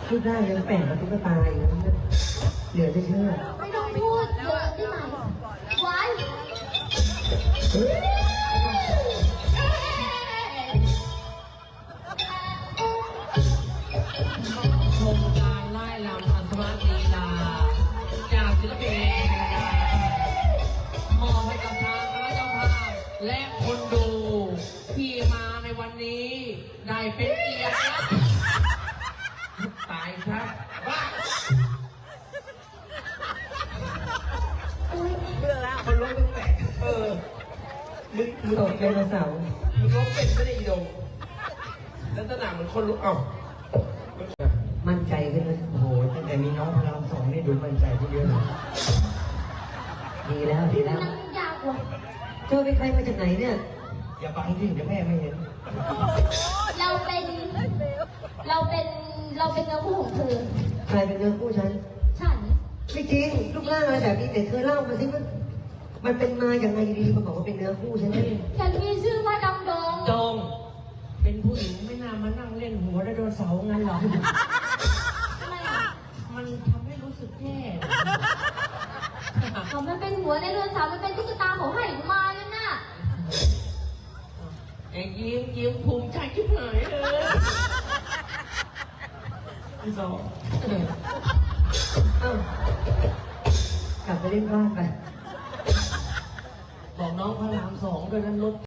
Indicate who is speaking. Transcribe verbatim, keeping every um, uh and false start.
Speaker 1: พูดได้ยังแปลกกว่าตุ๊กตาอีกนะเหลือจะเชื่อ
Speaker 2: ไม่ต้องพูดเยอะได้ไหมไว้
Speaker 3: ชมการไล่ลำอัศวะลีลาจากศิลปินมอบให้กับทางคณะเจ้าภาพและคนดูที่มาในวันนี้ได้เป็นเกียรติตายครับว่า
Speaker 4: เบื่อแล้วคนล้มเป็นแปลกเออมึงมึง
Speaker 1: ตกไดโนเสาร์
Speaker 4: มึงล้มเป็นไม่ได้อีโดงลักษณะเหมือนคนลุกเอ้า
Speaker 1: มั่นใจขึ้นเลยโอ้โหตั้งแต่มีน้องพลังสองนี่ดูมั่นใจขึ้นเยอะเลยดีแล้วดีแล้ว
Speaker 2: นั่งยากว่ะ
Speaker 1: เธอเป็นใครมาจากไหนเนี่ยอย่าบังที่เดี๋ยวแม่ไม่เห็น
Speaker 2: เราเป็นเราเป็นเราเป็นเนื้อคู่ของเธอ
Speaker 1: ใครเป็นเนื้อคู่ฉัน
Speaker 2: ฉัน
Speaker 1: ไม่จริงรูปร่างอะไรแบบนี้แต่เธอเล่ามาสิมันมันเป็นมาอย่างไรดีมาบอกว่าเป็นเนื้อคู่ฉันได้
Speaker 2: ฉันมีชื่อว่าดำดง
Speaker 3: จงเป็นผู้หญิงไม่น่ามานั่งเล่นหัวไดโนเสาร์งั้นหรอ
Speaker 2: ทำไมอ่ะ
Speaker 3: มันทำให้รู้สึกแย่
Speaker 2: เขามันเป็นหัวในเรือนสาวมันเป็นตุ๊กตาเขาให้มานั่นน่ะ
Speaker 3: ไอ้ยิ้มยิ้มภูมิใจชิบหายเลยพี่สอง
Speaker 1: เอ้ากลับไปเล่นบ้านไป
Speaker 3: บอกน้องพระรามสองด้วยนั้นรถ